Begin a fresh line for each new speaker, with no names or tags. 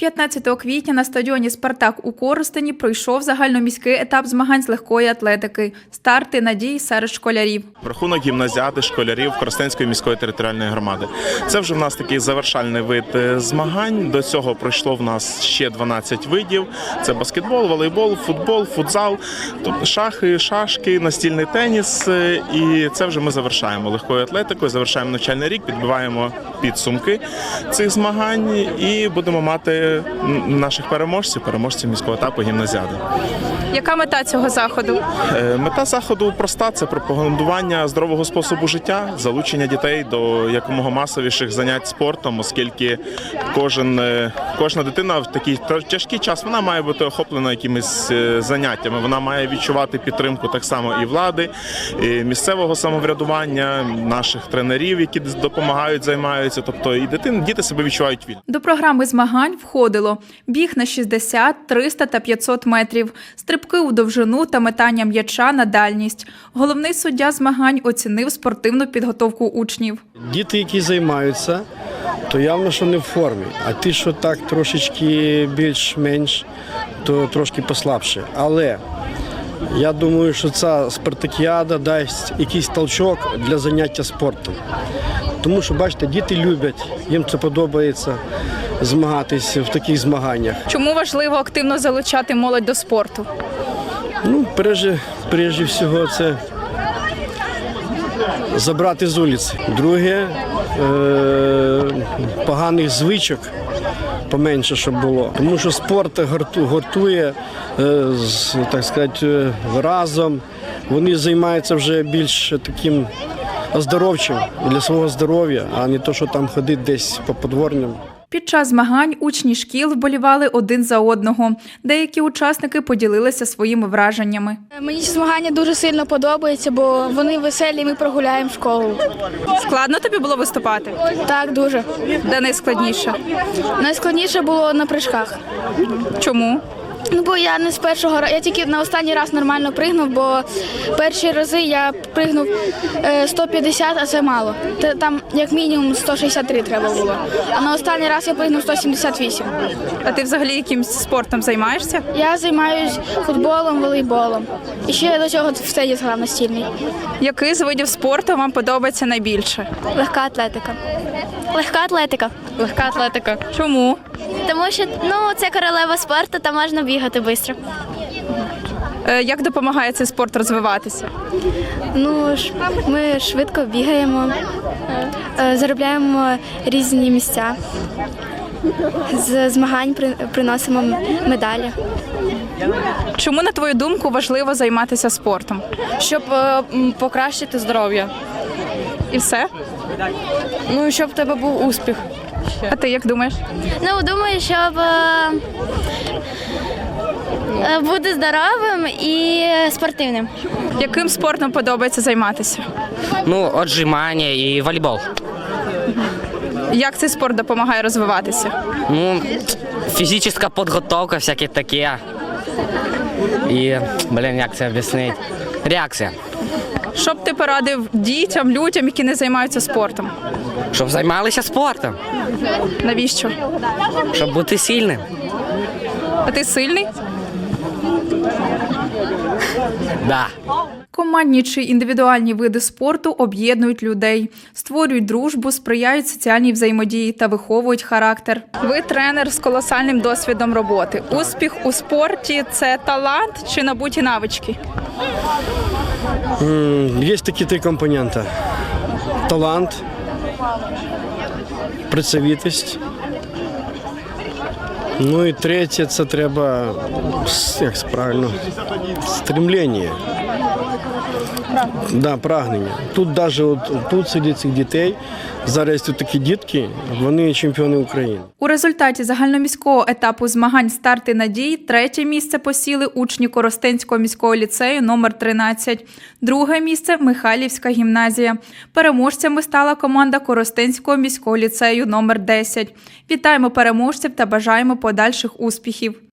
15 квітня на стадіоні «Спартак» у Коростені пройшов загальноміський етап змагань з легкої атлетики. Старти надії серед школярів.
Рахунок гімназіади школярів Коростенської міської територіальної громади. Це вже в нас такий завершальний вид змагань. До цього пройшло в нас ще 12 видів. Це баскетбол, волейбол, футбол, футзал, шахи, шашки, настільний теніс. І це вже ми завершаємо легкою атлетикою, завершаємо навчальний рік, підбиваємо підсумки цих змагань і будемо мати наших переможців міського етапу гімназіади.
Яка мета цього заходу?
Мета заходу проста – це пропагандування здорового способу життя, залучення дітей до якомога масовіших занять спортом, оскільки кожна дитина в такий тяжкий час вона має бути охоплена якимись заняттями, вона має відчувати підтримку так само і влади, і місцевого самоврядування, наших тренерів, які допомагають, займаються, тобто і діти себе відчувають вільно.
До програми змагань входило біг на 60, 300 та 500 метрів, стрибки у довжину та метання м'яча на дальність. Головний суддя змагань оцінив спортивну підготовку учнів.
Діти, які займаються, то явно, що не в формі. А ті, що так трошечки більш-менш, то трошки послабше. Але я думаю, що ця спартакіада дасть якийсь толчок для заняття спортом. Тому що, бачите, діти люблять, їм це подобається змагатися в таких змаганнях.
Чому важливо активно залучати молодь до спорту?
Ну, прежде всього, це забрати з вулиці. Друге, поганих звичок поменше, щоб було. Тому що спорт гуртує, так сказати, разом. Вони займаються вже більш таким оздоровчим для свого здоров'я, а не то, що там ходить десь по подворням.
Під час змагань учні шкіл вболівали один за одного. Деякі учасники поділилися своїми враженнями.
Мені ці змагання дуже сильно подобаються, бо вони веселі, і ми прогуляємо школу.
Складно тобі було виступати?
Так, дуже.
Де найскладніше?
Найскладніше було на прыжках.
Чому?
Ну, бо я не з першого разу, я тільки на останній раз нормально пригнув, бо перші рази я пригнув 150, а це мало. Там як мінімум 163 треба було. А на останній раз я пригнув 178.
А ти взагалі якимсь спортом займаєшся?
Я займаюся футболом, волейболом. І ще я до цього в теніс грав настільний.
Який з видів спорту вам подобається найбільше?
Легка атлетика. Легка атлетика.
Легка атлетика. Чому?
Тому що це королева спорту, там можна бігати швидко.
Як допомагає цей спорт розвиватися?
Ми швидко бігаємо, заробляємо різні місця, з змагань приносимо медалі.
Чому, на твою думку, важливо займатися спортом?
Щоб покращити здоров'я.
І все?
Ну, щоб в тебе був успіх.
А ти як думаєш?
Думаю, щоб бути здоровим і спортивним.
Яким спортом подобається займатися?
Отжимання і волейбол.
Як цей спорт допомагає розвиватися?
Фізична підготовка, всяке таке. І, як це об'яснити? Реакція.
Що б ти порадив дітям, людям, які не займаються спортом?
Щоб займалися спортом.
Навіщо?
Щоб бути сильним.
А ти сильний?
Да.
Командні чи індивідуальні види спорту об'єднують людей, створюють дружбу, сприяють соціальній взаємодії та виховують характер. Ви тренер з колосальним досвідом роботи. Успіх у спорті – це талант чи набуті навички?
Є такі три компоненти. Талант, працьовитість. І третє – це треба, як правильно, стремлення. Да, прагнення. Тут навіть тут серед цих дітей, зараз тут такі дітки, вони чемпіони України.
У результаті загальноміського етапу змагань «Старти надії» третє місце посіли учні Коростенського міського ліцею номер 13. Друге місце – Михайлівська гімназія. Переможцями стала команда Коростенського міського ліцею номер 10. Вітаємо переможців та бажаємо подальших успіхів.